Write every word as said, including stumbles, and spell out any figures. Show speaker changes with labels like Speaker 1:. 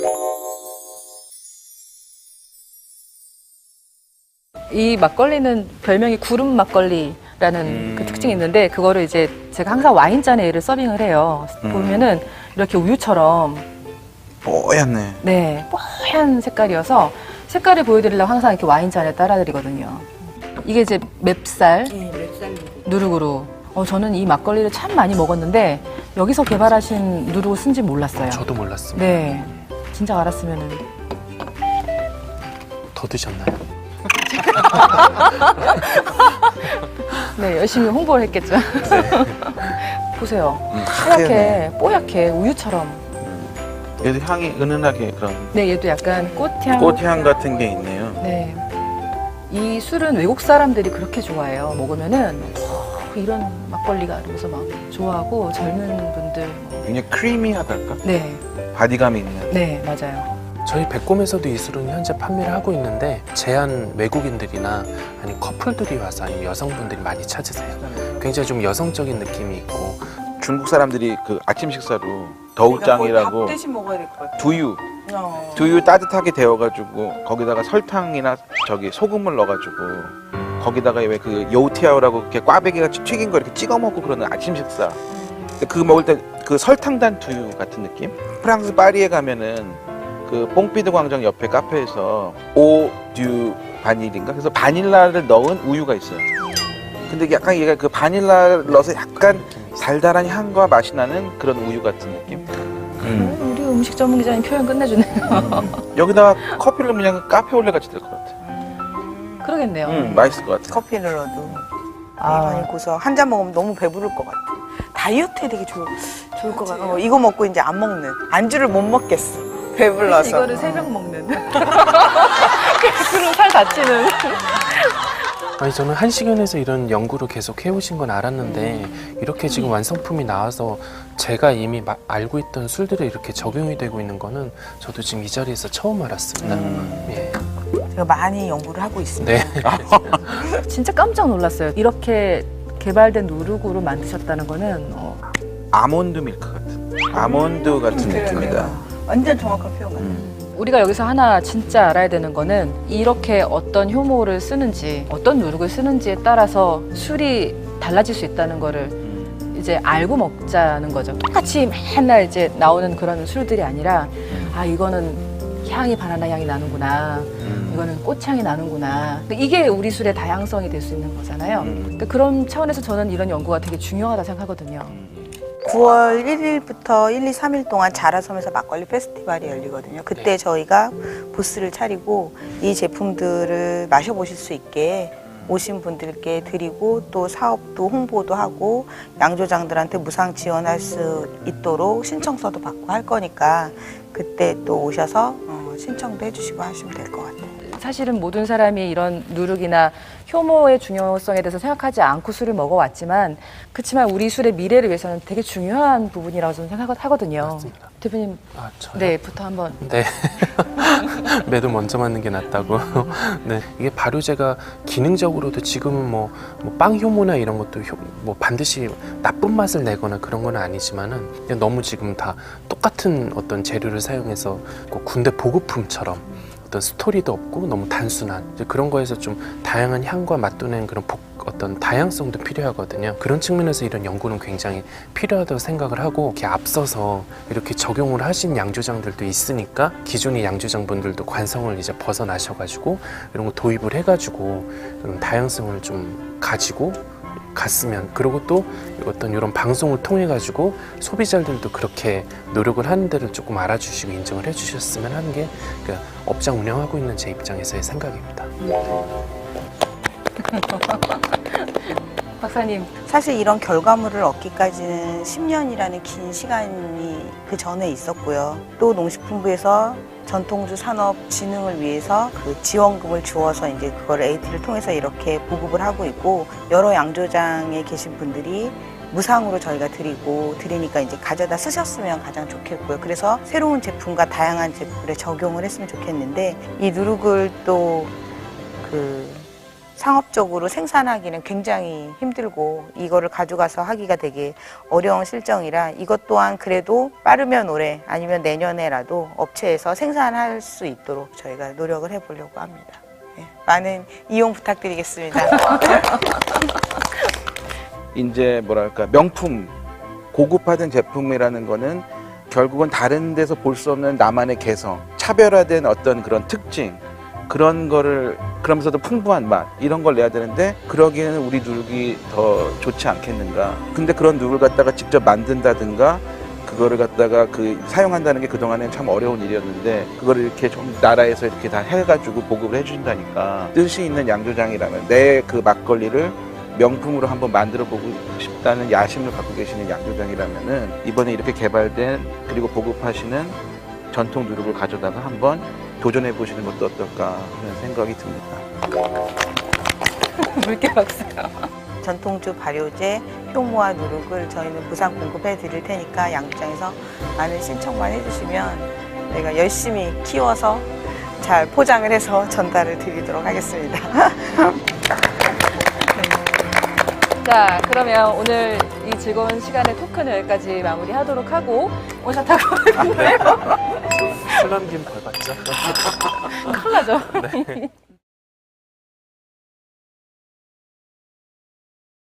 Speaker 1: 이 막걸리는 별명이 구름 막걸리라는
Speaker 2: 음.
Speaker 1: 그 특징이 있는데 그거를 이제 제가 항상 와인잔에 얘를 서빙을 해요.
Speaker 2: 음.
Speaker 1: 보면은 이렇게 우유처럼
Speaker 2: 뽀얗네.
Speaker 1: 네 뽀얀 색깔이어서 색깔을 보여드리려고 항상 이렇게 와인잔에 따라드리거든요. 이게 이제 맵쌀
Speaker 3: 네, 맵쌀
Speaker 1: 누룩으로. 어, 저는 이 막걸리를 참 많이 먹었는데 여기서 개발하신 누룩을 쓴지 몰랐어요.
Speaker 4: 저도 몰랐습니다.
Speaker 1: 네, 진작 알았으면은.
Speaker 4: 더 드셨나요?
Speaker 1: 네, 열심히 홍보를 했겠죠. 보세요.
Speaker 2: 음,
Speaker 1: 하얗게, 뽀얗게, 우유처럼.
Speaker 2: 얘도 향이 은은하게 그런
Speaker 1: 네, 얘도 약간 꽃향.
Speaker 2: 꽃향 같은 게 있네요.
Speaker 1: 네. 이 술은 외국 사람들이 그렇게 좋아해요. 먹으면은, 어, 이런 막걸리가 이러면서 막 좋아하고, 젊은 분들. 뭐.
Speaker 2: 굉장히 크리미하달까?
Speaker 1: 네,
Speaker 2: 바디감이 있는.
Speaker 1: 네, 맞아요.
Speaker 4: 저희 백곰에서도 이 술은 현재 판매를 하고 있는데 제한 외국인들이나 아니 커플들이 와서 아니면 여성분들이 많이 찾으세요. 굉장히 좀 여성적인 느낌이 있고
Speaker 2: 중국 사람들이 그 아침 식사로 더우짱이라고
Speaker 3: 밥 대신 먹어야 될 것 같아.
Speaker 2: 두유,
Speaker 3: 어.
Speaker 2: 두유 따뜻하게 데워가지고 거기다가 설탕이나 저기 소금을 넣어가지고 거기다가 왜 그 요우티아오라고 이렇게 꽈배기 같이 튀긴 거 이렇게 찍어 먹고 그러는 아침 식사. 근데 그거 먹을 때 그 설탕 단 두유 같은 느낌? 프랑스 파리에 가면은 그 뽕피드 광장 옆에 카페에서 오듀 바닐인가? 그래서 바닐라를 넣은 우유가 있어요. 근데 약간 얘가 그 바닐라를 넣어서 약간 달달한 향과 맛이 나는 그런 우유 같은 느낌? 음.
Speaker 1: 우리 음식 전문 기자님 표현 끝내주네요.
Speaker 2: 여기다가 커피를 넣으면 그냥 카페 올레 같이 될 것 같아.
Speaker 1: 그러겠네요.
Speaker 2: 음, 맛있을 것 같아.
Speaker 3: 커피를 넣어도
Speaker 1: 아.
Speaker 3: 많이 고서 한 잔 먹으면 너무 배부를 것 같아. 다이어트에 되게 좋, 좋을 것 같아. 어, 이거 먹고 이제 안 먹는. 안주를 못 먹겠어. 배불러서.
Speaker 1: 이거를 세 병 먹는. 그럼 살 다치는.
Speaker 4: 아니 저는 한식연에서 이런 연구를 계속 해오신 건 알았는데 이렇게 지금 완성품이 나와서 제가 이미 마, 알고 있던 술들에 이렇게 적용이 되고 있는 거는 저도 지금 이 자리에서 처음 알았습니다.
Speaker 2: 음.
Speaker 4: 예.
Speaker 3: 제가 많이 연구를 하고 있습니다.
Speaker 4: 네.
Speaker 1: 진짜 깜짝 놀랐어요. 이렇게 개발된 누룩으로 만드셨다는 거는 어,
Speaker 2: 아몬드 밀크 같은. 아몬드 같은 느낌이다.
Speaker 3: 완전 정확한 표현 같아요.
Speaker 2: 음.
Speaker 1: 우리가 여기서 하나 진짜 알아야 되는 거는 이렇게 어떤 효모를 쓰는지 어떤 누룩을 쓰는지에 따라서 술이 달라질 수 있다는 거를
Speaker 2: 음.
Speaker 1: 이제 알고 먹자는 거죠. 똑같이 맨날 이제 나오는 그런 술들이 아니라 아 이거는 향이 바나나 향이 나는구나.
Speaker 2: 음.
Speaker 1: 이거는 꽃향이 나는구나. 이게 우리 술의 다양성이 될 수 있는 거잖아요.
Speaker 2: 음.
Speaker 1: 그러니까 그런 차원에서 저는 이런 연구가 되게 중요하다 생각하거든요.
Speaker 3: 구월 일일부터 일, 이, 삼 일 동안 자라섬에서 막걸리 페스티벌이 열리거든요. 그때
Speaker 4: 네.
Speaker 3: 저희가 부스를 차리고 이 제품들을 마셔보실 수 있게 오신 분들께 드리고 또 사업도 홍보도 하고 양조장들한테 무상 지원할 수 있도록 신청서도 받고 할 거니까 그때 또 오셔서 어, 신청도 해주시고 하시면 될 것 같아요.
Speaker 1: 사실은 모든 사람이 이런 누룩이나 효모의 중요성에 대해서 생각하지 않고 술을 먹어왔지만 그렇지만 우리 술의 미래를 위해서는 되게 중요한 부분이라고 저는 생각하거든요.
Speaker 4: 맞습니다.
Speaker 1: 대표님,
Speaker 4: 아, 저요?
Speaker 1: 네부터 한번.
Speaker 4: 네. 매도 먼저 맞는 게 낫다고. 네. 이게 발효제가 기능적으로도 지금은 뭐, 뭐 빵 효모나 이런 것도 효, 뭐 반드시 나쁜 맛을 내거나 그런 건 아니지만은 그냥 너무 지금 다 똑같은 어떤 재료를 사용해서 그 군대 보급품처럼 어떤 스토리도 없고 너무 단순한 이제 그런 거에서 좀 다양한 향과 맛도는 그런 복, 어떤 다양성도 필요하거든요. 그런 측면에서 이런 연구는 굉장히 필요하다고 생각을 하고 이렇게 앞서서 이렇게 적용을 하신 양조장들도 있으니까 기존의 양조장분들도 관성을 이제 벗어나셔가지고 이런 거 도입을 해가지고 이런 다양성을 좀 가지고 갔으면 그리고 또 어떤 이런 방송을 통해 가지고 소비자들도 그렇게 노력을 하는 데를 조금 알아주시고 인정을 해주셨으면 하는 게 그러니까 업장 운영하고 있는 제 입장에서의 생각입니다.
Speaker 1: 박사님.
Speaker 3: 사실 이런 결과물을 얻기까지는 십 년이라는 긴 시간이 그 전에 있었고요. 또 농식품부에서 전통주 산업 진흥을 위해서 그 지원금을 주어서 이제 그걸 에이티를 통해서 이렇게 보급을 하고 있고 여러 양조장에 계신 분들이 무상으로 저희가 드리고 드리니까 이제 가져다 쓰셨으면 가장 좋겠고요. 그래서 새로운 제품과 다양한 제품에 적용을 했으면 좋겠는데 이 누룩을 또 그 상업적으로 생산하기는 굉장히 힘들고 이거를 가져가서 하기가 되게 어려운 실정이라 이것 또한 그래도 빠르면 올해 아니면 내년에라도 업체에서 생산할 수 있도록 저희가 노력을 해보려고 합니다. 네, 많은 이용 부탁드리겠습니다.
Speaker 2: 이제 뭐랄까 명품, 고급화된 제품이라는 거는 결국은 다른 데서 볼 수 없는 나만의 개성, 차별화된 어떤 그런 특징, 그런 거를 그러면서도 풍부한 맛 이런 걸 내야 되는데 그러기에는 우리 누룩이 더 좋지 않겠는가. 근데 그런 누룩을 갖다가 직접 만든다든가 그거를 갖다가 그 사용한다는 게 그동안엔 참 어려운 일이었는데 그거를 이렇게 좀 나라에서 이렇게 다 해가지고 보급을 해준다니까 뜻이 있는 양조장이라면 내 그 막걸리를 명품으로 한번 만들어 보고 싶다는 야심을 갖고 계시는 양조장이라면은 이번에 이렇게 개발된 그리고 보급하시는 전통 누룩을 가져다가 한번 도전해 보시는 것도 어떨까 하는 생각이 듭니다.
Speaker 1: 물개 박수요.
Speaker 3: 전통주 발효제, 효모와 누룩을 저희는 무상 공급해 드릴 테니까 양조장에서 많은 신청만 해주시면 저희가 열심히 키워서 잘 포장을 해서 전달을 드리도록 하겠습니다.
Speaker 1: 자, 그러면 오늘 이 즐거운 시간의 토크는 여기까지 마무리하도록 하고 원샷하고
Speaker 4: 술남김 벌 받죠?
Speaker 1: 큰일 나죠.